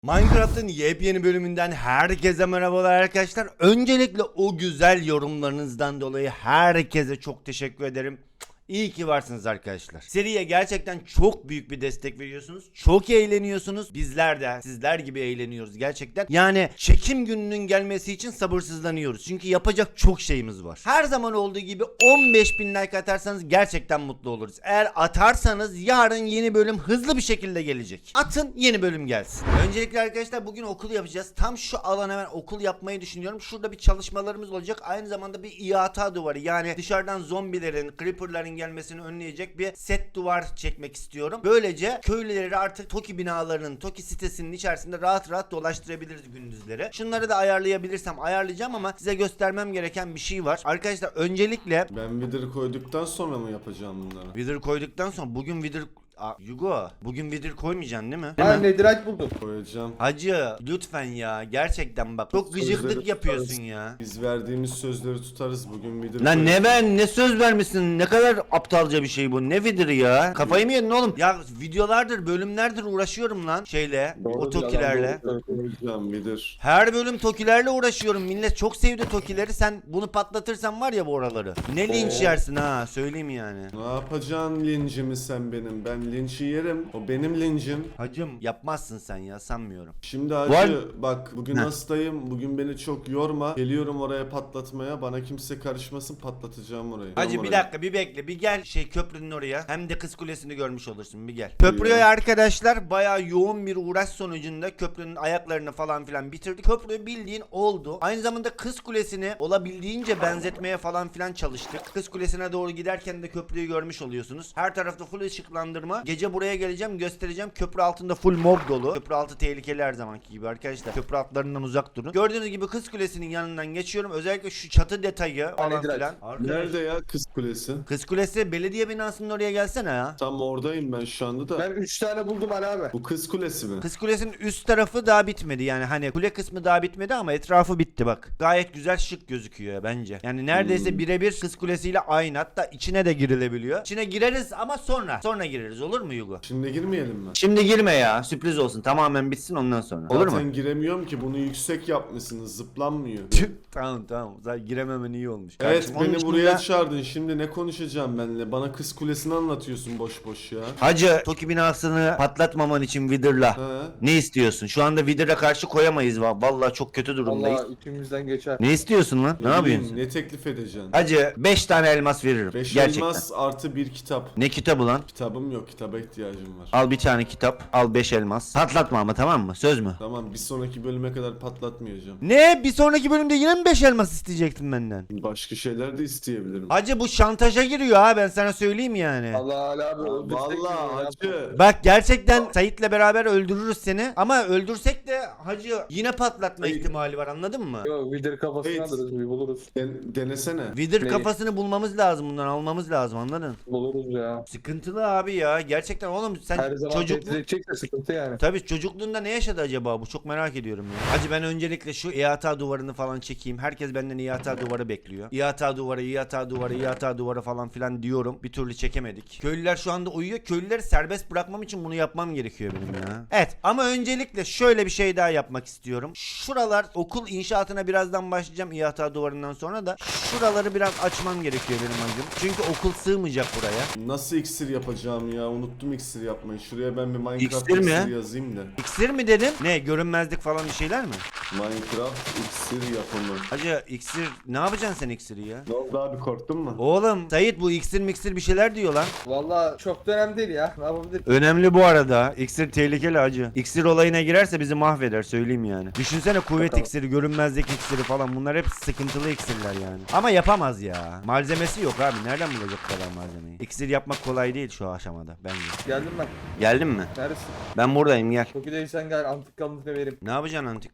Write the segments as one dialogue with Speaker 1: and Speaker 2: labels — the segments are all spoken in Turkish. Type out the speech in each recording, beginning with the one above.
Speaker 1: Minecraft'ın yepyeni bölümünden herkese merhabalar arkadaşlar. Öncelikle o güzel yorumlarınızdan dolayı herkese çok teşekkür ederim. İyi ki varsınız arkadaşlar. Seriye gerçekten çok büyük bir destek veriyorsunuz. Çok eğleniyorsunuz. Bizler de sizler gibi eğleniyoruz gerçekten. Yani çekim gününün gelmesi için sabırsızlanıyoruz. Çünkü yapacak çok şeyimiz var. Her zaman olduğu gibi 15.000 like atarsanız gerçekten mutlu oluruz. Eğer atarsanız yarın yeni bölüm hızlı bir şekilde gelecek. Atın, yeni bölüm gelsin. Öncelikle arkadaşlar bugün okul yapacağız. Tam şu alana ben okul yapmayı düşünüyorum. Şurada bir çalışmalarımız olacak. Aynı zamanda bir ihata duvarı, yani dışarıdan zombilerin, creeperların gelmesini önleyecek bir set duvar çekmek istiyorum. Böylece köylüleri artık Toki binalarının, Toki sitesinin içerisinde rahat rahat dolaştırabiliriz gündüzleri. Şunları da ayarlayabilirsem ayarlayacağım ama size göstermem gereken bir şey var. Arkadaşlar öncelikle
Speaker 2: Ben Wither koyduktan sonra mı yapacağım bunları?
Speaker 1: Wither koyduktan sonra bugün Wither... Yugo, bugün Wither koymayacaksın değil mi?
Speaker 3: Ha Netherite buldum.
Speaker 2: Koyacağım.
Speaker 1: Hacı lütfen ya, gerçekten bak çok gıcıklık
Speaker 2: Sözleri
Speaker 1: yapıyorsun
Speaker 2: tutarız.
Speaker 1: ya.
Speaker 2: Biz verdiğimiz sözleri tutarız bugün Wither
Speaker 1: Lan ne
Speaker 2: koyacağım.
Speaker 1: ben ne söz vermişsin, ne kadar aptalca bir şey bu, ne Wither ya, kafayı mı yedin oğlum? Ya videolardır, bölümlerdir uğraşıyorum lan şeyle, o Tokilerle.
Speaker 2: Koyacağım Wither.
Speaker 1: Her bölüm Tokilerle uğraşıyorum, millet çok sevdi Tokileri, sen bunu patlatırsan var ya bu oraları. Ne linç yersin ha, söyleyeyim yani.
Speaker 2: Ne yapacaksın lincimi sen benim? Ben linçi yerim. O benim lincim.
Speaker 1: Hacım yapmazsın sen ya, sanmıyorum.
Speaker 2: Şimdi hacı bak bugün hastayım. Bugün beni çok yorma. Geliyorum oraya patlatmaya. Bana kimse karışmasın, patlatacağım orayı.
Speaker 1: Hacı
Speaker 2: Tamam
Speaker 1: bir
Speaker 2: oraya.
Speaker 1: dakika, bir bekle, bir gel köprünün oraya, hem de Kız Kulesi'ni görmüş olursun, bir gel. Köprüye arkadaşlar bayağı yoğun bir uğraş sonucunda köprünün ayaklarını falan filan bitirdik. Köprü bildiğin oldu. Aynı zamanda Kız Kulesi'ni olabildiğince benzetmeye falan filan çalıştık. Kız Kulesi'ne doğru giderken de köprüyü görmüş oluyorsunuz. Her tarafta full ışıklandırma. Gece buraya geleceğim, göstereceğim. Köprü altında full mob dolu. Köprü altı tehlikeli her zamanki gibi arkadaşlar. Köprü altlarından uzak durun. Gördüğünüz gibi Kız Kulesi'nin yanından geçiyorum. Özellikle şu çatı detayı falan
Speaker 3: Netherite.
Speaker 1: filan.
Speaker 2: Nerede ya Kız Kulesi?
Speaker 1: Kız Kulesi belediye binasının oraya gelsene ya.
Speaker 2: Tam oradayım ben şu anda da.
Speaker 3: Ben 3 tane buldum Ali abi.
Speaker 2: Bu Kız Kulesi mi?
Speaker 1: Kız Kulesi'nin üst tarafı daha bitmedi, yani hani kule kısmı daha bitmedi ama etrafı bitti bak. Gayet güzel, şık gözüküyor ya bence. Yani neredeyse birebir Kız Kulesi ile aynı, hatta içine de girilebiliyor. İçine gireriz ama sonra gireriz, olur mu Yugo?
Speaker 2: Şimdi girmeyelim mi?
Speaker 1: Şimdi girme ya, sürpriz olsun, tamamen bitsin ondan sonra. Olur mu?
Speaker 2: Zaten giremiyorum ki, bunu yüksek yapmışsınız, zıplanmıyor.
Speaker 1: Tamam zaten girememen iyi olmuş.
Speaker 2: Evet,
Speaker 1: Kardeşim, onun
Speaker 2: beni
Speaker 1: dışında-
Speaker 2: buraya çağırdın. Şimdi ne konuşacağım benimle? Bana Kız Kulesi'ni anlatıyorsun boş boş ya.
Speaker 1: Hacı, Toki binasını patlatmaman için Wither'la
Speaker 2: He.
Speaker 1: ne istiyorsun? Şu anda Wither'a karşı koyamayız, vallahi çok kötü durumdayız.
Speaker 3: Allah içimizden geçer.
Speaker 1: Ne istiyorsun lan? Ne
Speaker 2: bileyim,
Speaker 1: yapıyorsun?
Speaker 2: Ne teklif edeceksin?
Speaker 1: Hacı 5 tane elmas veririm.
Speaker 2: 5
Speaker 1: Gerçekten.
Speaker 2: elmas artı bir kitap.
Speaker 1: Ne kitabı lan?
Speaker 2: Kitabım yok, kitaba ihtiyacım var.
Speaker 1: Al bir tane kitap, al 5 elmas. Patlatma ama, tamam mı? Söz mü?
Speaker 2: Tamam, bir sonraki bölüme kadar patlatmayacağım.
Speaker 1: Ne? Bir sonraki bölümde yine mi 5 elmas isteyecektin benden?
Speaker 2: Başka şeyler de isteyebilirim.
Speaker 1: Hacı bu şantaja giriyor ha, ben sana söyleyeyim yani.
Speaker 3: Allah Ali abi öldürsek
Speaker 2: Vallahi
Speaker 3: mi?
Speaker 2: hacı.
Speaker 1: Bak gerçekten Sait'le beraber öldürürüz seni, ama öldürsek de hacı yine patlatma
Speaker 2: Hayır.
Speaker 1: ihtimali var, anladın mı?
Speaker 3: Yok Wither kafasını
Speaker 2: Evet.
Speaker 3: alırız bir buluruz.
Speaker 2: Denesene.
Speaker 1: Wither
Speaker 3: Neyi?
Speaker 1: kafasını bulmamız lazım, bundan almamız lazım, anladın?
Speaker 3: Buluruz ya.
Speaker 1: Sıkıntılı abi ya, gerçekten oğlum sen
Speaker 3: Her zaman
Speaker 1: çocuk...
Speaker 3: tehdit edecekse sıkıntı yani.
Speaker 1: Tabii çocukluğunda ne yaşadı acaba bu, çok merak ediyorum ya. Hacı ben öncelikle şu ihata duvarını falan çekeyim. Herkes benden ihata duvarı bekliyor. İhata duvarı, ihata duvarı, ihata duvarı falan filan diyorum. Bir türlü çekemedik. Köylüler şu anda uyuyor. Köylüleri serbest bırakmam için bunu yapmam gerekiyor benim ya. Evet, ama öncelikle şöyle bir şey daha yapmak istiyorum. Şuralar, okul inşaatına birazdan başlayacağım ihata duvarından sonra da. Şuraları biraz açmam gerekiyor benim hacım. Çünkü okul sığmayacak buraya.
Speaker 2: Nasıl iksir yapacağım ya? Unuttum iksir yapmayı. Şuraya ben bir Minecraft
Speaker 1: İksir mi?
Speaker 2: iksir yazayım da.
Speaker 1: İksir mi dedin? Ne, görünmezlik falan bir şeyler mi?
Speaker 2: Minecraft iksir yapımı.
Speaker 1: Hacı iksir, ne yapacaksın sen iksiri ya?
Speaker 2: Ne oldu abi, korktun mu?
Speaker 1: Oğlum Sait, bu iksir miksir bir şeyler diyor lan.
Speaker 3: Valla çok da önemli değil ya. Ne yapabilir?
Speaker 1: Önemli bu arada. İksir tehlikeli hacı. İksir olayına girerse bizi mahveder, söyleyeyim yani. Düşünsene, kuvvet
Speaker 3: Bakalım.
Speaker 1: iksiri, görünmezlik iksiri falan, bunlar hep sıkıntılı iksirler yani. Ama yapamaz ya. Malzemesi yok abi. Nereden bulacak bu kadar malzemeyi? İksir yapmak kolay değil şu aşamada bence.
Speaker 3: Geldim ben.
Speaker 1: Geldin mi?
Speaker 3: Neredesin?
Speaker 1: Ben buradayım, gel.
Speaker 3: Çok iyi sen gel antik kalıntını vereyim.
Speaker 1: Ne yapacaksın antik kalıntıyı?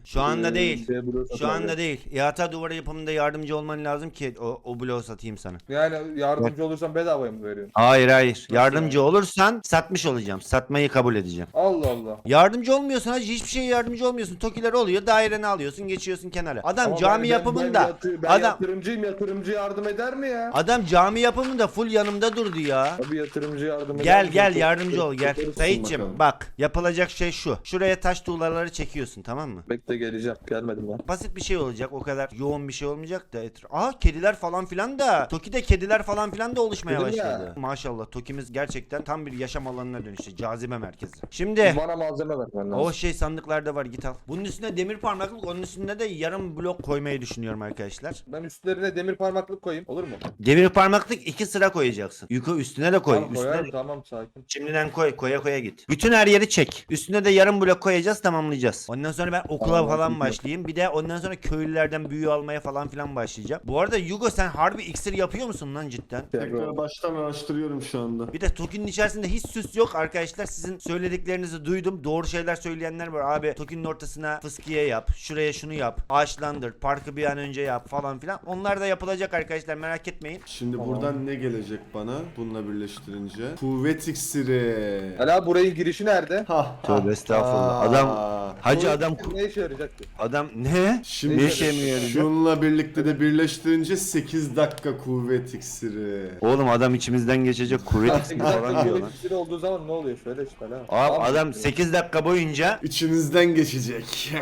Speaker 1: Şu anda değil.
Speaker 3: Blok
Speaker 1: Şu anda
Speaker 3: satıyor.
Speaker 1: değil. İHA duvarı yapımında yardımcı olman lazım ki o bloğu satayım sana.
Speaker 3: Yani yardımcı olursan bedavaya mı veriyorsun?
Speaker 1: Hayır. Yardımcı
Speaker 3: yani?
Speaker 1: olursan satmış olacağım. Satmayı kabul edeceğim.
Speaker 3: Allah Allah.
Speaker 1: Yardımcı olmuyorsun hacı, hiçbir şeye yardımcı olmuyorsun. Tokiler oluyor, daireni alıyorsun, geçiyorsun kenara. Adam
Speaker 3: Ama
Speaker 1: cami yapımında
Speaker 3: ben
Speaker 1: adam
Speaker 3: yatırımcı yardım eder mi ya?
Speaker 1: adam cami yapımında full yanımda durdu ya.
Speaker 3: Abi yatırımcı yardım eder
Speaker 1: Gel
Speaker 3: mi?
Speaker 1: gel
Speaker 3: Çok-
Speaker 1: yardımcı ol gel.
Speaker 2: Yaparız
Speaker 1: Sayitçim
Speaker 2: bakalım.
Speaker 1: bak, yapılacak şey şu. Şuraya taş tuğlaları çekiyorsun, tamam mı?
Speaker 3: Bekle geleceğim. Gelmedim ben.
Speaker 1: Basit bir şey olacak, o kadar yoğun bir şey olmayacak da. Aa, kediler falan filan da. Toki'de kediler falan filan da oluşmaya
Speaker 3: Dedim ya.
Speaker 1: başladı. Maşallah Toki'miz gerçekten tam bir yaşam alanına dönüştü. Cazibe merkezi. Şimdi
Speaker 3: Bana malzeme vermen lazım.
Speaker 1: o şey sandıklarda var, git al. Bunun üstüne demir parmaklık, onun üstüne de yarım blok koymayı düşünüyorum arkadaşlar.
Speaker 3: Ben üstlerine demir parmaklık koyayım. Olur mu?
Speaker 1: Demir parmaklık 2 sıra koyacaksın. Üstüne de koy.
Speaker 3: Tamam
Speaker 1: Üstüne
Speaker 3: koyarım. Tamam sakin.
Speaker 1: şimdiden koya git. Bütün her yeri çek. Üstüne de yarım blok koyacağız, tamamlayacağız. Ondan sonra ben okula
Speaker 3: Tamam,
Speaker 1: falan
Speaker 3: ben
Speaker 1: başlayayım. Bir de ondan sonra köylülerden büyü almaya falan filan başlayacağım. Bu arada Yugo, sen harbi iksir yapıyor musun lan cidden?
Speaker 2: Tekrar baştan araştırıyorum şu anda.
Speaker 1: Bir de Toki'nin içerisinde hiç süs yok arkadaşlar. Sizin söylediklerinizi duydum. Doğru şeyler söyleyenler var. Abi Toki'nin ortasına fıskiye yap. Şuraya şunu yap. Ağaçlandır. Parkı bir an önce yap falan filan. Onlar da yapılacak arkadaşlar, merak etmeyin.
Speaker 2: Şimdi
Speaker 3: Tamam.
Speaker 2: buradan ne gelecek bana bununla birleştirince? Kuvvet iksiri.
Speaker 3: Hala burayın girişi nerede?
Speaker 2: Ha,
Speaker 1: Tövbe estağfurullah.
Speaker 2: ha.
Speaker 1: Adam Hacı
Speaker 3: Bu
Speaker 1: adam
Speaker 3: ne işe yarayacak ki?
Speaker 1: adam ne?
Speaker 2: Şimdi
Speaker 1: Ne işe mi yarayacak?
Speaker 2: şunla birlikte de birleştirince 8 dakika kuvvet iksiri.
Speaker 1: Oğlum adam içimizden geçecek, kuvvet iksiri falan diyor lan.
Speaker 3: Kuvvet olduğu zaman ne oluyor? Söyle işte lan.
Speaker 1: Abi adam 8 dakika boyunca
Speaker 2: İçinizden geçecek.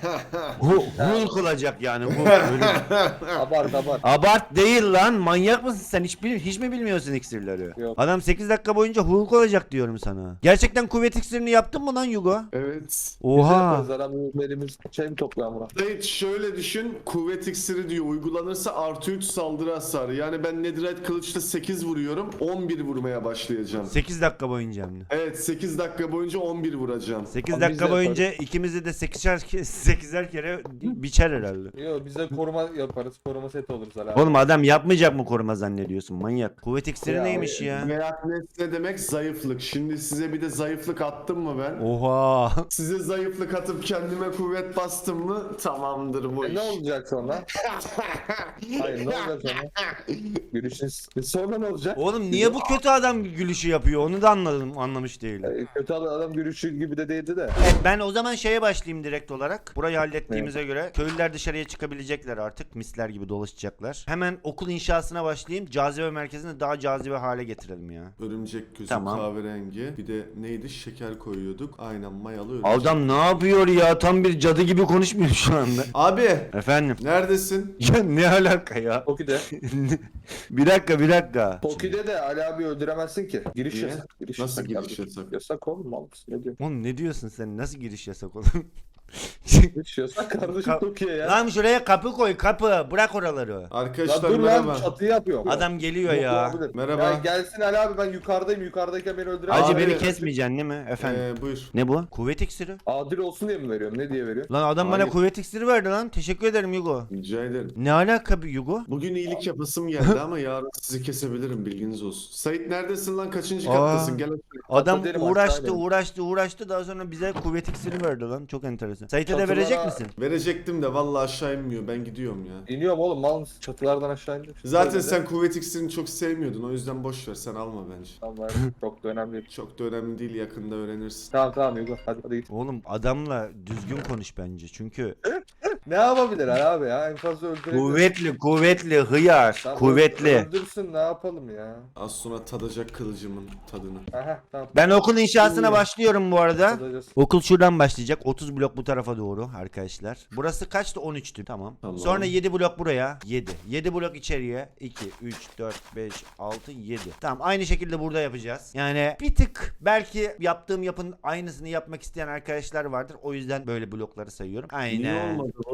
Speaker 1: Hulk olacak yani. Böyle.
Speaker 3: Abart.
Speaker 1: Abart değil lan, manyak mısın sen, hiç mi bilmiyorsun iksirleri?
Speaker 3: Yok.
Speaker 1: Adam 8 dakika boyunca Hulk olacak diyorum sana. Gerçekten kuvvet iksirini yaptın mı lan Yugo?
Speaker 2: Evet.
Speaker 1: Oha.
Speaker 3: Adam elimiz şey mi topluyor buna?
Speaker 2: Dayı şöyle düşün, kuvvet iksiri diyor uygulanırsa artı 3 saldırı hasarı. Yani ben Netherite kılıçla 8 vuruyorum, 11 vurmaya başlayacağım.
Speaker 1: 8 dakika boyunca hem de.
Speaker 2: Evet, 8 dakika boyunca 11 vuracağım.
Speaker 1: 8
Speaker 3: Abi
Speaker 1: dakika
Speaker 3: biz de
Speaker 1: boyunca ikimizi de 8'er kere biçer herhalde.
Speaker 3: Yok biz de koruma yaparız. Koruma seti oluruz hala.
Speaker 1: Oğlum adam yapmayacak mı koruma zannediyorsun, manyak. Kuvvet iksiri
Speaker 3: Ya,
Speaker 1: neymiş ya?
Speaker 2: Reaknes ne demek? Zayıflık. Şimdi size bir de zayıflık attım mı ben?
Speaker 1: Oha.
Speaker 2: Size zayıflık atıp kendime kuvvet bastım mı? Tamamdır bu iş.
Speaker 3: Ne olacak sonra? Hayır ne olacak sonra? Gülüşün sonra ne olacak?
Speaker 1: Oğlum niye bu kötü adam gülüşü yapıyor, onu da anlamış değilim.
Speaker 3: Kötü adam gülüşü gibi de değildi de.
Speaker 1: Evet, ben o zaman şeye başlayayım direkt olarak. Burayı hallettiğimize göre köylüler dışarıya çıkabilecekler artık. Misler gibi dolaşacaklar. Hemen okul inşasına başlayayım. Cazibe merkezini daha cazibe hale getirelim ya.
Speaker 2: Örümcek gözü
Speaker 1: Tamam.
Speaker 2: kahverengi. Bir de neydi? Şeker koyuyorduk. Aynen mayalı örümcek.
Speaker 1: Adam ne yapıyor ya? Tam bir cadı gibi konuşmuyor şu anda.
Speaker 2: Abi
Speaker 1: Efendim.
Speaker 2: neredesin?
Speaker 1: Ya ne alaka ya?
Speaker 3: Toki'de.
Speaker 1: Bir dakika.
Speaker 3: Toki'de de Ali abi öldüremezsin ki. Giriş
Speaker 2: Niye?
Speaker 3: yasak. Giriş
Speaker 2: Nasıl
Speaker 3: yasak
Speaker 2: giriş
Speaker 3: kardeşim.
Speaker 2: yasak?
Speaker 3: Yasak oğlum mal mısın? Ne diyorsun?
Speaker 1: Oğlum ne diyorsun sen? Nasıl giriş yasak oğlum?
Speaker 3: Giriş yasak kardeşim Toki'ye ya.
Speaker 1: Lan şuraya kapı koy, kapı. Bırak oraları.
Speaker 3: Lan
Speaker 2: Arkadaşlar
Speaker 3: dur
Speaker 2: merhaba.
Speaker 3: lan çatıyı yapıyorum.
Speaker 1: Adam geliyor
Speaker 3: Yok,
Speaker 1: ya.
Speaker 3: olabilir.
Speaker 2: Merhaba.
Speaker 3: Ya gelsin Ali abi ben yukarıdayım. Yukarıdayken beni öldüremez.
Speaker 1: Acı
Speaker 2: Abi-
Speaker 1: beni kesmeyeceksin değil mi efendim?
Speaker 2: Buyur.
Speaker 1: Ne bu? Kuvvet iksiri.
Speaker 3: Adil olsun diye mi veriyorum? Ne diye veriyorum?
Speaker 1: Lan adam bana
Speaker 2: Hayır.
Speaker 1: kuvvet iksiri verdi lan. Teşekkür ederim Yugo.
Speaker 2: Rica ederim.
Speaker 1: Ne alaka bir Yugo?
Speaker 2: Bugün iyilik yapasım geldi ama yarın sizi kesebilirim, bilginiz olsun. Sait neredesin lan? Kaçıncı
Speaker 1: Aa.
Speaker 2: kattasın? Gel.
Speaker 1: Adam
Speaker 3: Derim,
Speaker 1: uğraştı daha sonra bize kuvvet iksiri verdi lan. Çok enteresan. Sait'e de
Speaker 3: Çatılara-
Speaker 1: verecek misin?
Speaker 2: Verecektim de vallahi aşağı inmiyor. Ben gidiyorum ya.
Speaker 3: İniyorum oğlum mal mısın? Çatılardan aşağı indim.
Speaker 2: Zaten
Speaker 3: Öyle de.
Speaker 2: sen kuvvet iksirini çok sevmiyordun. O yüzden boş ver, sen alma bence.
Speaker 3: Tamam çok da önemli değil.
Speaker 2: Çok da önemli değil, yakında öğrenirsin.
Speaker 3: Tamam Yugo hadi git.
Speaker 1: Oğlum adamla düzgün konuş bence. Çünkü
Speaker 3: Ne yapabilir Ali abi ya? En fazla öldürebilir.
Speaker 1: kuvvetli hıyar.
Speaker 3: Tamam,
Speaker 1: Kuvvetli.
Speaker 3: Öldürsün ne yapalım ya?
Speaker 2: Az sonra tadacak kılıcımın tadını.
Speaker 3: Aha tamam.
Speaker 1: Ben okul inşasına başlıyorum bu arada.
Speaker 3: Tadacağız.
Speaker 1: Okul şuradan başlayacak. 30 blok bu tarafa doğru arkadaşlar. Burası kaçtı? 13'tü. Tamam.
Speaker 2: Tamam.
Speaker 1: Sonra 7 blok buraya. 7. 7 blok içeriye. 2, 3, 4, 5, 6, 7. Tamam, aynı şekilde burada yapacağız. Yani bir tık belki yaptığım yapın aynısını yapmak isteyen arkadaşlar vardır. O yüzden böyle blokları sayıyorum.
Speaker 2: Niye
Speaker 1: Aynen.
Speaker 2: olmadı bu?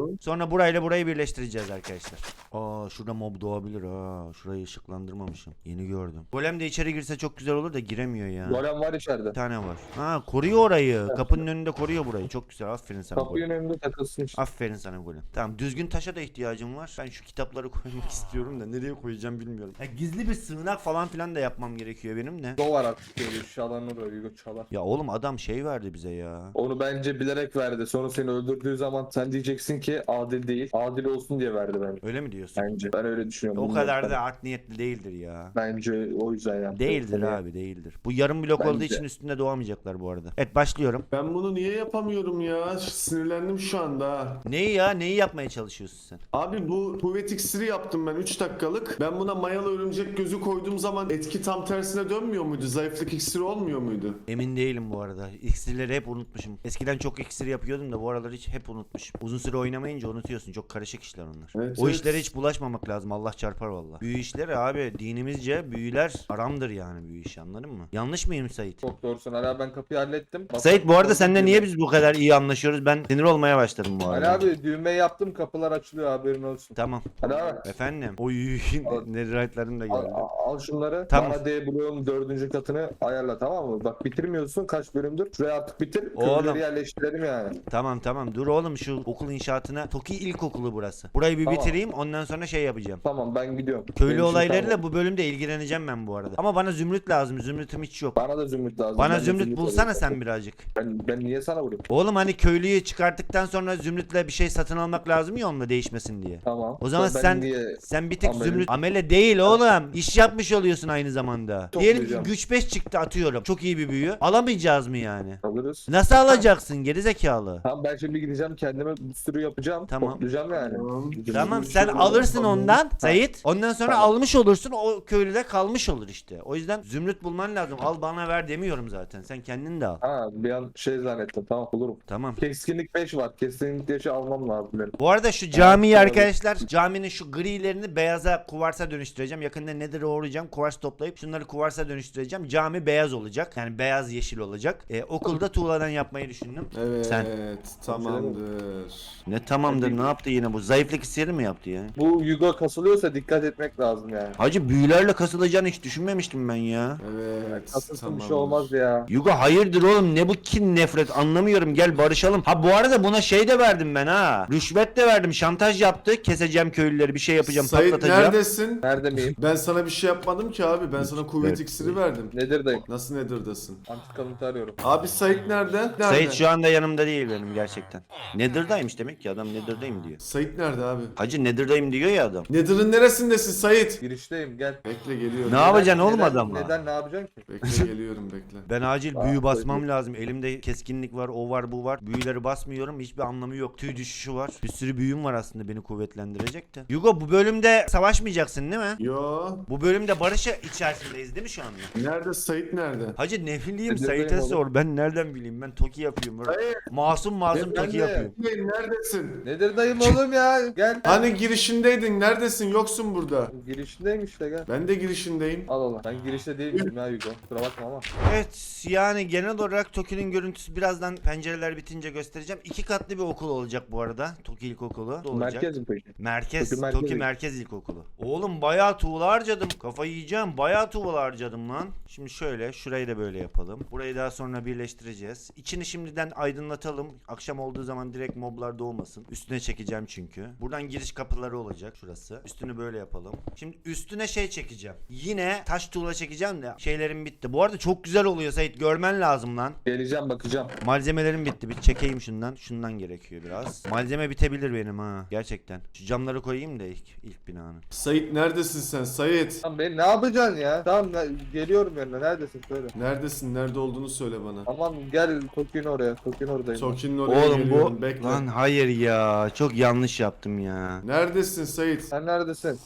Speaker 2: Tamam.
Speaker 1: Sonra burayla burayı birleştireceğiz arkadaşlar. Aa şurada mob doğabilir ha. Şurayı ışıklandırmamışım. Yeni gördüm. Golem de içeri girse çok güzel olur da giremiyor ya.
Speaker 3: Golem var içeride.
Speaker 1: Bir tane var. Ha koruyor orayı. Kapının önünde koruyor burayı. Çok güzel. Aferin sana
Speaker 3: Kapının
Speaker 1: Golem.
Speaker 3: önünde takılsın işte.
Speaker 1: Aferin sana Golem. Tamam düzgün taşa da ihtiyacım var. Ben şu kitapları koymak istiyorum da nereye koyacağım bilmiyorum. Ya, gizli bir sığınak falan filan da yapmam gerekiyor benim de.
Speaker 3: O var artık böyle çalanır o Yugo çalar.
Speaker 1: Ya oğlum adam şey verdi bize ya.
Speaker 3: Onu bence bilerek verdi. Sonra seni öldürdüğü zaman sen diyeceksin ki adil değil. Adil olsun diye verdi bence.
Speaker 1: Öyle mi diyorsun?
Speaker 3: Bence. Ben öyle düşünüyorum.
Speaker 1: O
Speaker 3: Bilmiyorum
Speaker 1: kadar
Speaker 3: tabii.
Speaker 1: da art niyetli değildir ya.
Speaker 3: Bence o yüzden yaptı.
Speaker 1: Değildir
Speaker 3: Tabii.
Speaker 1: abi değildir. Bu yarım blok olduğu
Speaker 3: Bence.
Speaker 1: için üstünde doğamayacaklar bu arada. Evet başlıyorum.
Speaker 2: Ben bunu niye yapamıyorum ya? Sinirlendim şu anda. Ha.
Speaker 1: Neyi ya? Neyi yapmaya çalışıyorsun sen?
Speaker 2: Abi bu kuvvet iksiri yaptım ben 3 dakikalık. Ben buna mayalı örümcek gözü koyduğum zaman etki tam tersine dönmüyor muydu? Zayıflık iksiri olmuyor muydu?
Speaker 1: Emin değilim bu arada. İksirleri hep unutmuşum. Eskiden çok iksir yapıyordum da bu aralar hiç hep unutmuşum. Uzun süre oynamayınca unutuyorsun. Çok karışık işler onlar.
Speaker 2: Evet,
Speaker 1: O
Speaker 2: evet.
Speaker 1: işlere hiç bulaşmamak lazım. Allah çarpar valla. Büyü işleri abi dinimizce büyüler haramdır yani büyü işi anladın mı? Yanlış mıyım Sait?
Speaker 3: Çok doğrusun. Hala ben kapıyı hallettim.
Speaker 1: Sait bu arada seninle niye biz bu kadar iyi anlaşıyoruz? Ben sinir olmaya başladım bu
Speaker 3: Ali
Speaker 1: arada.
Speaker 3: abi düğmeyi yaptım, kapılar açılıyor, haberin olsun.
Speaker 1: Tamam.
Speaker 3: Ali abi
Speaker 1: Efendim. Oy netherite'larım da
Speaker 3: al,
Speaker 1: geldi.
Speaker 3: al şunları.
Speaker 1: Tamam.
Speaker 3: Bana D bloğun 4. katını ayarla, tamam mı? Bak bitirmiyorsun, kaç bölümdür. Şuraya artık bitir.
Speaker 1: Oğlum.
Speaker 3: Köylüleri yerleştirelim yani.
Speaker 1: Tamam dur oğlum şu okul inşaatına. Toki İlkokulu burası. Burayı bir
Speaker 3: Tamam.
Speaker 1: bitireyim ondan sonra şey yapacağım.
Speaker 3: Tamam ben gidiyorum.
Speaker 1: Köylü
Speaker 3: Benim işim
Speaker 1: olaylarıyla
Speaker 3: tamam.
Speaker 1: bu bölümde ilgileneceğim ben bu arada. Ama bana zümrüt lazım. Zümrütüm hiç yok.
Speaker 3: Bana da zümrüt lazım.
Speaker 1: Bana
Speaker 3: Ben de
Speaker 1: zümrüt bulsana
Speaker 3: arıyorum.
Speaker 1: sen birazcık.
Speaker 3: Ben niye sana vurayım?
Speaker 1: Oğlum hani köylüyü çıkarttıktan sonra zümrütle bir şey satın almak lazım ya onunla değişmesin diye.
Speaker 3: Tamam.
Speaker 1: O zaman
Speaker 3: Ben
Speaker 1: sen
Speaker 3: niye-
Speaker 1: sen bir tek
Speaker 3: Amele-
Speaker 1: zümrüt amele değil oğlum. İş yapmış oluyorsun aynı zamanda. Diyelim ki
Speaker 3: Toplayacağım.
Speaker 1: güç 5 çıktı atıyorum. Çok iyi bir büyü. Alamayacağız mı yani?
Speaker 3: Alırız.
Speaker 1: Nasıl alacaksın geri zekalı?
Speaker 3: Tamam ben şimdi gideceğim, kendime bir sürü yapacağım.
Speaker 1: Tamam.
Speaker 3: Toplayacağım yani.
Speaker 2: Tamam.
Speaker 1: Tamam sen alırsın ondan Sait. Ondan sonra
Speaker 3: Tamam.
Speaker 1: almış olursun o köylüde kalmış olur işte. O yüzden zümrüt bulman lazım. Al bana ver demiyorum zaten. Sen kendin de al.
Speaker 3: Ha bir an şey zannettim, tamam bulurum.
Speaker 1: Tamam.
Speaker 3: Keskinlik 5 var. Keskinlik 5'i almam lazım benim.
Speaker 1: Bu arada şu camiyi
Speaker 3: Evet,
Speaker 1: arkadaşlar caminin şu grilerini beyaza kuvarsa dönüştüreceğim. Yakında Nether'e uğrayacağım. Kuvars toplayıp şunları kuvarsa dönüştüreceğim. Cami beyaz olacak. Yani beyaz yeşil olacak. Okulda tuğladan yapmayı düşündüm.
Speaker 2: Evet
Speaker 1: Sen.
Speaker 2: tamamdır.
Speaker 1: Ne tamamdır ne yaptı yine bu? Zayıflık hissiyeri mi yaptı ya?
Speaker 3: Bu Yugo kasılıyorsa dikkat etmek lazım yani.
Speaker 1: Hacı büyülerle kasılacağını hiç düşünmemiştim ben ya.
Speaker 2: Evet
Speaker 3: Kasılsın
Speaker 2: tamamdır.
Speaker 3: bir şey olmaz ya.
Speaker 1: Yugo hayırdır oğlum ne bu kin nefret anlamıyorum gel barışalım. Ha bu arada buna şey de verdim ben ha. Rüşvet de verdim şantaj yaptı. Keseceğim köylüleri bir şey yapacağım
Speaker 2: Sait
Speaker 1: patlatacağım.
Speaker 2: neredesin?
Speaker 3: Nerede miyim?
Speaker 2: Ben sana bir şey yapmadım ki abi. Ben sana kuvvet
Speaker 1: Evet.
Speaker 2: iksiri verdim.
Speaker 3: Nedir dayım?
Speaker 2: Nasıl Nether'dasın?
Speaker 3: Antikanıtı arıyorum.
Speaker 2: Abi Sait nerede? Nerede?
Speaker 1: Sait şu anda yanımda değil benim gerçekten. Nether'daymış demek ki adam Nether'dayım diyor.
Speaker 2: Sait nerede abi?
Speaker 1: Hacı Nether'dayım diyor ya adam.
Speaker 2: Nether'ın neresindesin Sait?
Speaker 3: Girişteyim gel.
Speaker 2: Bekle geliyorum.
Speaker 1: Ne yapacaksın oğlum
Speaker 3: Neden-
Speaker 1: adamla?
Speaker 3: Neden ne yapacaksın ki?
Speaker 2: Bekle geliyorum bekle.
Speaker 1: Ben acil
Speaker 3: Aa,
Speaker 1: büyü basmam
Speaker 3: koydum.
Speaker 1: lazım. Elimde keskinlik var, o var, bu var. Büyüleri basmıyorum. Hiçbir anlamı yok. Tüy düşüşü var. Bir sürü büyüm var aslında beni kuvvetlendirecek de. Yugo bu bölümde savaşmayacaksın değil mi?
Speaker 2: Yo.
Speaker 1: Bu bölümde barış içerisindeyiz değil mi şu anda?
Speaker 2: Nerede Sait nerede?
Speaker 1: Hacı ne bileyim
Speaker 3: Nedir
Speaker 1: Sait'e
Speaker 3: benim oğlum?
Speaker 1: sor. Ben nereden bileyim? Ben Toki yapıyorum. Böyle.
Speaker 2: Hayır.
Speaker 1: Masum
Speaker 3: Ben
Speaker 1: Toki
Speaker 3: de.
Speaker 1: yapıyorum.
Speaker 2: Neredesin?
Speaker 3: Nedir dayım oğlum ya? Gel.
Speaker 2: Hani girişindeydin? Neredesin? Yoksun burada.
Speaker 3: Girişindeyim işte gel.
Speaker 2: Ben de girişindeyim.
Speaker 3: Al Allah. Ben girişte değilim ya Yugo. Kusura bakma ama.
Speaker 1: Evet yani genel olarak Toki'nin görüntüsü birazdan pencereler bitince göstereceğim. 2 katlı bir okul olacak bu arada. Toki İlkokulu olacak.
Speaker 3: Merkez mi peki?
Speaker 1: Merkez,
Speaker 3: Toki Merkez
Speaker 1: Toki Merkez İlkokulu. Oğlum bayağı tuğla harcadım. Kafayı yiyeceğim. Bayağı tuğla harcadım lan. Şimdi şöyle, şurayı da böyle yapalım. Burayı daha sonra birleştireceğiz. İçini şimdiden aydınlatalım. Akşam olduğu zaman direkt moblar doğmasın. Üstüne çekeceğim çünkü. Buradan giriş kapıları olacak şurası. Üstünü böyle yapalım. Şimdi üstüne şey çekeceğim. Yine taş tuğla çekeceğim de şeylerim bitti. Bu arada çok güzel oluyor Sait. Görmen lazım lan.
Speaker 3: Geleceğim bakacağım.
Speaker 1: Malzemelerim bitti. Bir çekeyim şundan. Şundan gerekiyor biraz. Malzeme bitebilir benim ha. Gerçekten. Şu camları koyayım da ilk binanın.
Speaker 2: Sait neredesin sen Sait?
Speaker 3: Tamam ben ne yapacaksın ya? Tamam geliyorum yanına. Neredesin söyle.
Speaker 2: Neredesin? Nerede olduğunu söyle bana.
Speaker 3: Tamam gel Toki'nin oraya. Toki'nin oradayım.
Speaker 2: Toki'nin oraya
Speaker 1: Oğlum
Speaker 2: geliyorum.
Speaker 1: bu...
Speaker 2: Bekle.
Speaker 1: Lan hayır ya. Çok yanlış yaptım ya.
Speaker 2: Neredesin Sait?
Speaker 3: Sen neredesin?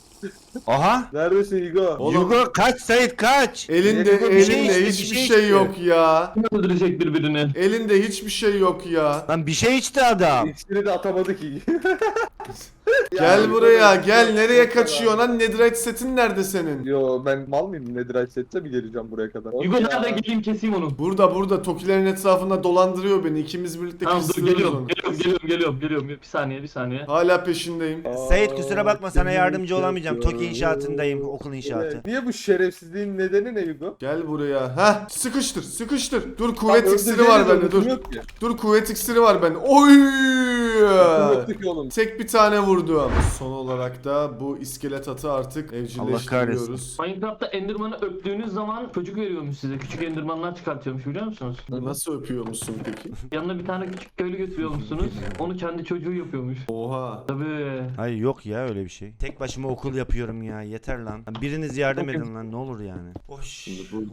Speaker 1: Aha.
Speaker 3: Neredesin Yugo?
Speaker 2: Oğlum-
Speaker 1: Yugo kaç Sait kaç.
Speaker 2: Elinde
Speaker 3: Bir şey
Speaker 2: elinde
Speaker 1: içti,
Speaker 2: hiçbir
Speaker 1: bir şey
Speaker 2: şey
Speaker 1: içti.
Speaker 2: yok ya.
Speaker 4: öldürecek birbirini.
Speaker 2: Elinde hiçbir şey yok ya.
Speaker 1: Lan bir şey içti adam.
Speaker 3: İksiri de atamadı ki.
Speaker 2: Gel buraya gel. Nereye kaçıyorsun lan? Netherite setin nerede senin?
Speaker 3: Yo ben mal mıyım? Netherite setse mi geleceğim buraya kadar?
Speaker 4: Hugo nerede, geleyim keseyim onu.
Speaker 2: Burada. Tokilerin etrafında dolandırıyor beni. İkimiz birlikte
Speaker 4: Tamam dur,
Speaker 2: kıstırıyoruz
Speaker 4: geliyorum.
Speaker 2: onu.
Speaker 4: Geliyorum. Bir saniye.
Speaker 2: Hala peşindeyim.
Speaker 1: Sait kusura bakma, sana yardımcı olamayacağım. Toki inşaatındayım, okul inşaatı.
Speaker 3: Niye bu şerefsizliğin nedeni ne Hugo?
Speaker 2: Gel buraya. Heh, sıkıştır. Dur kuvvet iksiri var bende. Dur kuvvet iksiri var bende. Oy!
Speaker 3: Oğlum.
Speaker 2: Tek bir tane vurdum. Son olarak da bu iskelet atı artık evcilleştiriyoruz.
Speaker 4: Minecraft'ta Enderman'ı öptüğünüz zaman çocuk veriyormuş size. Küçük Enderman'lar çıkartıyormuş, biliyor musunuz?
Speaker 2: Nasıl öpüyor musun peki?
Speaker 4: Yanına bir tane küçük köylü götürüyormuşsunuz. Onu kendi çocuğu yapıyormuş.
Speaker 2: Oha.
Speaker 4: Tabii.
Speaker 1: Hayır yok ya öyle bir şey. Tek başıma okul yapıyorum ya, yeter lan. Biriniz yardım edin lan, ne olur yani. Hoş.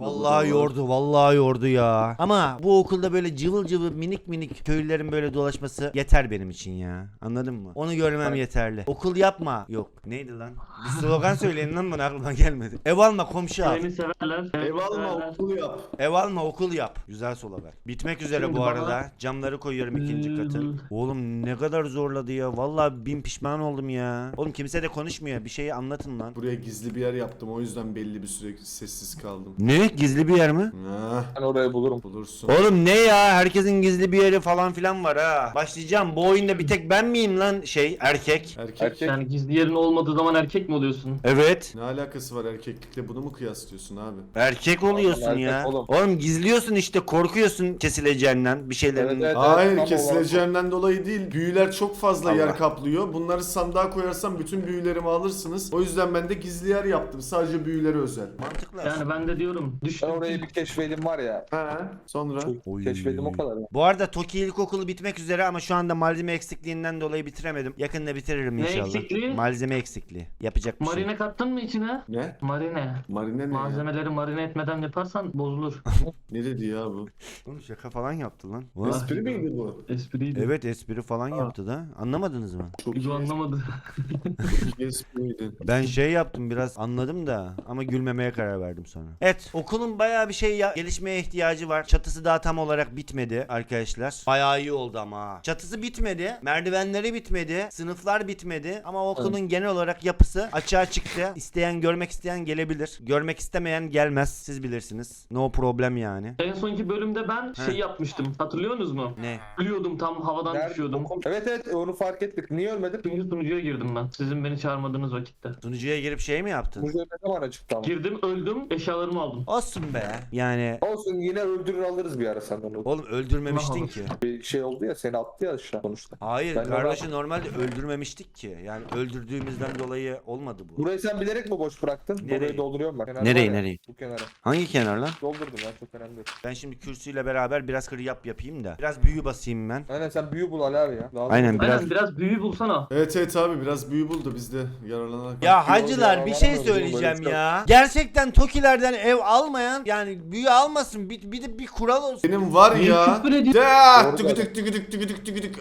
Speaker 1: Vallahi yordu ya. Ama bu okulda böyle cıvıl cıvıl minik köylülerin böyle dolaşması yeter benim için ya. Anladın mı? Onu görmem yeterli. Okul yapma. Yok. Neydi lan? Bir slogan söyleyin lan, bana aklıma gelmedi. Ev alma, komşu al.
Speaker 4: Beni severler.
Speaker 2: Ev alma okulu yap.
Speaker 1: Ev alma, okul yap. Güzel slogan. Bitmek üzere
Speaker 4: Şimdi
Speaker 1: bu
Speaker 4: bana-
Speaker 1: arada. Camları koyuyorum ikinci katı. Oğlum ne kadar zorladı ya. Vallahi bin pişman oldum ya. Oğlum kimse de konuşmuyor. Bir şeyi anlatın lan.
Speaker 2: Buraya gizli bir yer yaptım. O yüzden belli bir süre sessiz kaldım.
Speaker 1: Ne? Gizli bir yer mi?
Speaker 2: Ah,
Speaker 3: Ben orayı bulurum.
Speaker 2: bulursun.
Speaker 1: Oğlum ne ya? Herkesin gizli bir yeri falan filan var ha. Başlayacağım. Bu oyunda bir tek ben miyim lan erkek?
Speaker 2: Erkek.
Speaker 4: Yani gizli yerin olmadığı zaman erkek mi oluyorsun?
Speaker 1: Evet.
Speaker 2: Ne alakası var erkeklikle, bunu mu kıyaslıyorsun abi?
Speaker 1: Erkek oluyorsun
Speaker 3: Erkek
Speaker 1: ya.
Speaker 3: oğlum.
Speaker 1: Oğlum gizliyorsun işte, korkuyorsun kesileceğinden bir şeylerin.
Speaker 3: Evet.
Speaker 2: Hayır,
Speaker 3: tam
Speaker 2: kesileceğimden dolayı değil. Büyüler çok fazla
Speaker 1: Allah.
Speaker 2: yer kaplıyor. Bunları sandığa koyarsam bütün büyülerimi alırsınız. O yüzden ben de gizli yer yaptım. Sadece büyülere özel.
Speaker 1: Mantıklı.
Speaker 4: Yani ben de diyorum.
Speaker 3: Ben
Speaker 4: Düştüm.
Speaker 3: orayı bir keşfedim var ya.
Speaker 2: Sonra?
Speaker 1: Oy.
Speaker 3: Keşfedim o kadar.
Speaker 1: Bu arada Toki İlkokulu bitmek üzere ama şu anda malzeme eksikliğinden dolayı bitiremedim. Yakında bitiririm
Speaker 4: Ne
Speaker 1: inşallah.
Speaker 4: eksikliği?
Speaker 1: Malzeme eksikliği. Yapacak bir şey.
Speaker 4: Marine kattın mı içine?
Speaker 2: Ne?
Speaker 4: Marine.
Speaker 2: Marine ne ya?
Speaker 4: Malzemeleri marine etmeden yaparsan bozulur.
Speaker 2: Ne dedi ya bu?
Speaker 1: Oğlum şaka falan yaptı lan.
Speaker 2: Espri miydi bu?
Speaker 4: Espriydi.
Speaker 1: Evet, espri falan yaptı da. Anlamadınız mı?
Speaker 2: Çok
Speaker 4: Hugo anlamadı.
Speaker 2: iyi espriydi.
Speaker 1: Ben şey yaptım, biraz anladım da ama gülmemeye karar verdim sonra. Evet, okulun bayağı bir şey gelişmeye ihtiyacı var. Çatısı daha tam olarak bitmedi arkadaşlar. Bayağı iyi oldu ama ha. Çatısı bitmedi, merdivenleri bitmedi, sınıflar bitmedi ama okulun genel olarak yapısı açığa çıktı. İsteyen, görmek isteyen gelebilir. Görmek istemeyen gelmez. Siz bilirsiniz. No problem yani.
Speaker 4: En sonki bölümde ben şey yapmıştım. Hatırlıyorsunuz mu?
Speaker 1: Ne?
Speaker 4: Ölüyordum, tam havadan
Speaker 3: Nerede?
Speaker 4: düşüyordum.
Speaker 3: Evet onu fark ettik. Niye ölmedin?
Speaker 4: Çünkü sunucuya girdim ben. Sizin beni çağırmadığınız vakitte.
Speaker 1: Sunucuya girip şey mi yaptın?
Speaker 3: Bu ne zaman açıktı ama?
Speaker 4: Girdim, öldüm, eşyalarımı aldım.
Speaker 1: Olsun be. Yani
Speaker 3: Olsun yine öldürür alırız bir ara senden onu.
Speaker 1: oğlum öldürmemiştin ki.
Speaker 3: Bir şey oldu ya seni attı ya aşağı sonuçta.
Speaker 1: Hayır,
Speaker 3: Ben
Speaker 1: kardeşi normalde öldürmemiştik ki. Yani öldürdüğümüzden dolayı olmadı bu.
Speaker 3: Burayı sen bilerek mi boş bıraktın?
Speaker 1: Nereyi?
Speaker 3: Burayı dolduruyorum ben. Kenar
Speaker 1: Nereyi,
Speaker 3: var ya,
Speaker 1: nereyi?
Speaker 3: Bu kenara.
Speaker 1: Hangi kenar lan?
Speaker 3: Doldurdum ben çok önemli değil.
Speaker 1: Ben şimdi kürsüyle beraber biraz yapayım da. Biraz büyü basayım ben.
Speaker 3: Aynen sen büyü bul Ali abi ya. Lazım.
Speaker 1: Aynen.
Speaker 4: Aynen, biraz büyü bulsana.
Speaker 2: Evet abi, biraz büyü bul da biz de yararlanarak.
Speaker 1: Ya hacılar,
Speaker 3: ya,
Speaker 1: bir şey
Speaker 3: varamıyorum,
Speaker 1: söyleyeceğim
Speaker 3: böyle
Speaker 1: ya. Gerçekten Tokilerden ev almayan, yani büyü almasın. Bir kural olsun.
Speaker 2: Benim var
Speaker 4: Niye
Speaker 2: ya.
Speaker 4: küfür ediyorsun?
Speaker 2: De,
Speaker 3: Doğru
Speaker 2: tüküdük.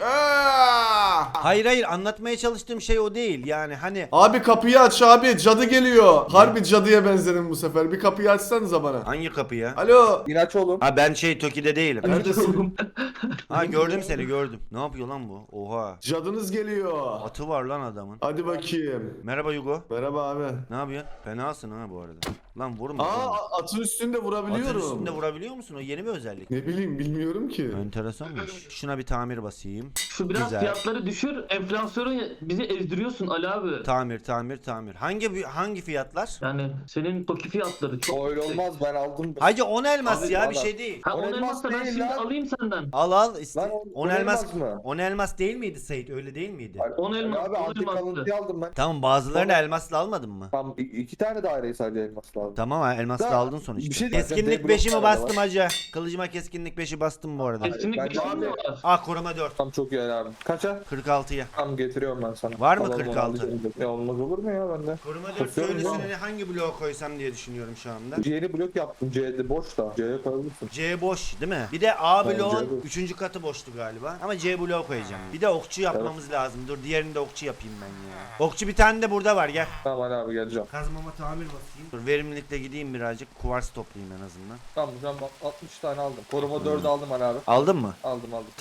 Speaker 2: Aa!
Speaker 1: Hayır, anlatmaya çalıştığım şey o değil. Yani hani
Speaker 2: Abi kapıyı aç abi, cadı geliyor. Harbi cadıya benzedim bu sefer. Bir kapıyı açsanıza bana.
Speaker 1: hangi kapı ya?
Speaker 2: Alo.
Speaker 3: İnaç oğlum.
Speaker 1: Ha ben Toki'de değilim.
Speaker 2: Neredesin?
Speaker 1: Ha gördüm seni, gördüm. Ne yapıyor lan bu? Oha.
Speaker 2: Cadınız geliyor.
Speaker 1: Atı var lan adamın.
Speaker 2: Hadi bakayım.
Speaker 1: Merhaba Hugo.
Speaker 2: Merhaba abi.
Speaker 1: Ne yapıyorsun? Fenasın ha bu arada. Lan vurma.
Speaker 2: Aa,
Speaker 1: vurma.
Speaker 2: atın üstünde vurabiliyorum.
Speaker 1: Atın üstünde vurabiliyor musun? O yeni bir özellik.
Speaker 2: Ne bileyim, bilmiyorum ki.
Speaker 1: Enteresanmış. Şuna bir tamir basayım.
Speaker 4: Şu biraz
Speaker 1: Güzel.
Speaker 4: fiyatları düşür. Enflasyonu bizi ezdiriyorsun Ali abi.
Speaker 1: Tamir. Hangi fiyatlar?
Speaker 4: Yani senin Toki fiyatları çok
Speaker 3: O öyle
Speaker 4: yüksek.
Speaker 3: olmaz ben aldım.
Speaker 1: Hacı 10 elmas
Speaker 4: Abi,
Speaker 1: ya, bir
Speaker 3: valla.
Speaker 1: şey değil.
Speaker 4: Ha,
Speaker 3: On
Speaker 4: 10
Speaker 3: elmas
Speaker 4: elmas da ben
Speaker 3: değil
Speaker 4: şimdi
Speaker 3: lan.
Speaker 4: alayım senden.
Speaker 1: Al
Speaker 3: Lan
Speaker 1: 10 elmas
Speaker 3: mı?
Speaker 1: 10 elmas değil miydi Sait? Öyle değil miydi?
Speaker 4: 10 elmas,
Speaker 3: Abi
Speaker 4: 10
Speaker 3: antik
Speaker 4: elmastı.
Speaker 3: alıntıyı aldım ben.
Speaker 1: Tamam, bazılarını elmasla almadın mı?
Speaker 3: Tam iki tane daireyi sadece elmas lazım.
Speaker 1: Tamam ha, elmasla
Speaker 3: Da-
Speaker 1: aldın sonuçta.
Speaker 3: bir şey diyeceğim,
Speaker 1: Keskinlik
Speaker 3: Deadlock
Speaker 1: 5'imi
Speaker 3: tane
Speaker 1: bastım
Speaker 3: var.
Speaker 1: hacı. Kılıcıma keskinlik 5'i bastım bu arada.
Speaker 4: Kesinlik
Speaker 3: Ben
Speaker 4: bir şey
Speaker 3: abi-
Speaker 4: mi var?
Speaker 1: Ah, koruma 4.
Speaker 3: Tam çok iyi Ali abi. Kaça?
Speaker 1: 46'ya.
Speaker 3: Tam getiriyorum ben sana.
Speaker 1: Var mı
Speaker 3: Alalım,
Speaker 1: 46?
Speaker 3: alalım. Ya olmaz olur mu ya bende?
Speaker 1: Koruma 4
Speaker 3: Basıyorum
Speaker 1: köylüsüne hangi bloğa koysam diye düşünüyorum şu anda.
Speaker 3: Yeni blok yaptım. C'de boş da. C'ye koyabilirsin.
Speaker 1: C boş değil mi? Bir de A
Speaker 3: Tamam,
Speaker 1: bloğun
Speaker 3: C boş.
Speaker 1: 3. katı boştu galiba. Ama C bloğu koyacağım. Bir de okçu yapmamız lazım. Dur, diğerini de okçu yapayım ben ya. Okçu bir tane de burada var, gel.
Speaker 3: Tamam Ali abi geleceğim.
Speaker 1: Kazmama tamir basayım. Dur, verimlilikle gideyim birazcık. Kuvars toplayayım en azından.
Speaker 3: Tamam şu an bak 60 tane aldım. Koruma 4'ü aldım Ali abi.
Speaker 1: Aldın mı?
Speaker 3: Aldım.
Speaker 1: Tamam.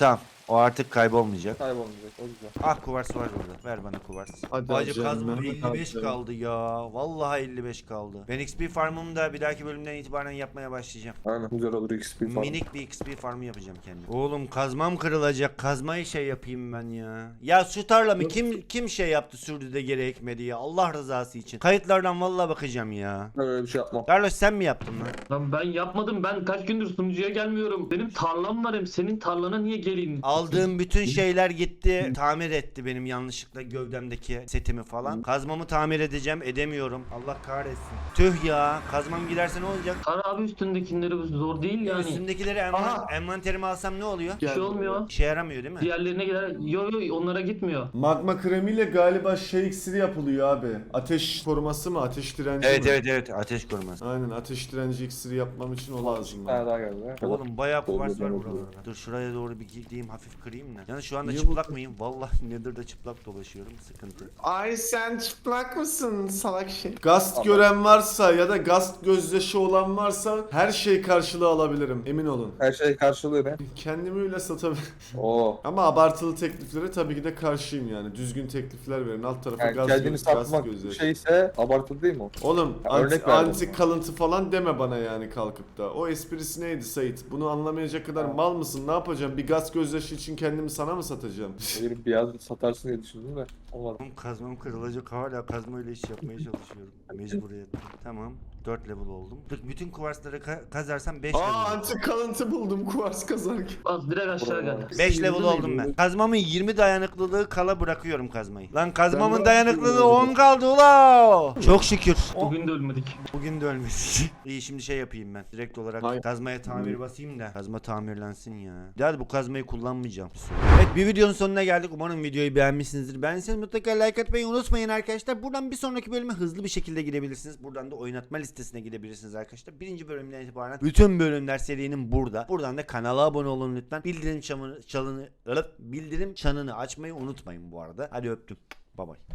Speaker 1: O artık kaybolmayacak.
Speaker 3: Kaybolmayacak. O güzel.
Speaker 1: Ah kuvars var burada. Ver bana kuvars.
Speaker 2: Hadi
Speaker 1: Bacı
Speaker 2: canım,
Speaker 1: kazmam
Speaker 2: Mehmet
Speaker 1: 55
Speaker 2: abi.
Speaker 1: kaldı ya. Vallahi 55 kaldı. Ben XP farmımı da bir dahaki bölümden itibaren yapmaya başlayacağım.
Speaker 3: Aynen güzel olur XP falan.
Speaker 1: Minik bir XP farmı yapacağım kendim. Oğlum kazmam kırılacak. Kazmayı şey yapayım ben ya. Ya şu tarlamı kim şey yaptı sürdü de geri ekmedi ya. Allah rızası için. Kayıtlardan vallahi bakacağım ya.
Speaker 3: Öyle bir şey yapmam.
Speaker 1: Carlos sen mi yaptın lan?
Speaker 4: Lan ben yapmadım. Ben kaç gündür sunucuya gelmiyorum. Benim tarlam var hem senin tarlana niye geleyim?
Speaker 1: Aldığım bütün şeyler gitti. Tamir etti benim yanlışlıkla gövdemdeki setimi falan. Kazmamı tamir edeceğim. Edemiyorum. Allah kahretsin. Tüh ya. Kazmam giderse ne olacak?
Speaker 4: Kar abi üstündekileri zor değil yani.
Speaker 1: Üstündekileri
Speaker 2: Aha.
Speaker 1: envanterime alsam ne oluyor?
Speaker 4: Bir şey olmuyor.
Speaker 1: İşe yaramıyor değil mi?
Speaker 4: Diğerlerine gider. Yo onlara gitmiyor.
Speaker 2: Magma kremiyle galiba şey iksiri yapılıyor abi. Ateş koruması mı? Ateş direnci mi?
Speaker 1: Evet. Ateş koruması.
Speaker 2: Aynen ateş direnci iksiri yapmam için o lazım.
Speaker 3: Bir
Speaker 2: bana.
Speaker 3: tane daha geldi.
Speaker 1: Oğlum bayağı kuvars var
Speaker 3: Oldu.
Speaker 1: buralarda. Dur şuraya doğru bir gideyim hafif kırayım da. Yani şu anda
Speaker 2: Niye
Speaker 1: çıplak mıyım? Vallahi Nether'da çıplak dolaşıyorum. Sıkıntı.
Speaker 2: Ay sen çıplak mısın salak şey? Gast gören varsa ya da gast gözyaşı olan varsa her şey karşılığı alabilirim emin olun.
Speaker 3: Her şey karşılığı ne?
Speaker 2: Kendimi öyle satabilirim.
Speaker 3: Oo.
Speaker 2: Ama abartılı tekliflere tabii ki de karşıyım yani. Düzgün teklifler verin. Alt tarafa
Speaker 3: Yani
Speaker 2: gaz,
Speaker 3: kendini
Speaker 2: gaz
Speaker 3: satmak
Speaker 2: gözyaşı.
Speaker 3: şeyse abartılı değil mi o?
Speaker 2: Oğlum
Speaker 3: Ya
Speaker 2: anti,
Speaker 3: örnek verdim
Speaker 2: anti
Speaker 3: ama.
Speaker 2: kalıntı falan deme bana yani kalkıp da. O esprisi neydi Sait? Bunu anlamayacak kadar mal mısın? Ne yapacağım? Bir gaz gözyaşı için kendimi sana mı satacağım?
Speaker 3: Gelip bir yaz satarsın diye düşündüm de olmadı.
Speaker 1: Oğlum kazmam kırılacak hala kazmayla iş yapmaya çalışıyorum. Mecburiyetten. Tamam. 4 level oldum. Bütün kuvarsları kazarsam 5 level
Speaker 2: Aa
Speaker 1: oldum.
Speaker 2: anti kalıntı buldum kuvars kazarken.
Speaker 4: Az direkt aşağı gel.
Speaker 1: 5 level oldum ben. Kazmamın 20 dayanıklılığı kala bırakıyorum kazmayı. Lan kazmamın
Speaker 2: Ben
Speaker 1: dayanıklılığı 10 kaldı ula. Çok şükür.
Speaker 4: Bugün de ölmedik.
Speaker 1: Bugün de ölmedik. İyi şimdi şey yapayım ben. Direkt olarak
Speaker 2: Hayır.
Speaker 1: kazmaya tamir basayım da. Kazma tamirlensin ya. Hadi bu kazmayı kullanmayacağım. Evet bir videonun sonuna geldik. Umarım videoyu beğenmişsinizdir. Beğendiyseniz mutlaka like atmayı unutmayın arkadaşlar. Buradan bir sonraki bölüme hızlı bir şekilde gidebilirsiniz. Buradan da oynatma listesine gidebilirsiniz arkadaşlar. Birinci bölümden itibaren bütün bölümler serinin burada. Buradan da kanala abone olun lütfen. Bildirim çanını açmayı unutmayın bu arada. Hadi öptüm. Bye bye.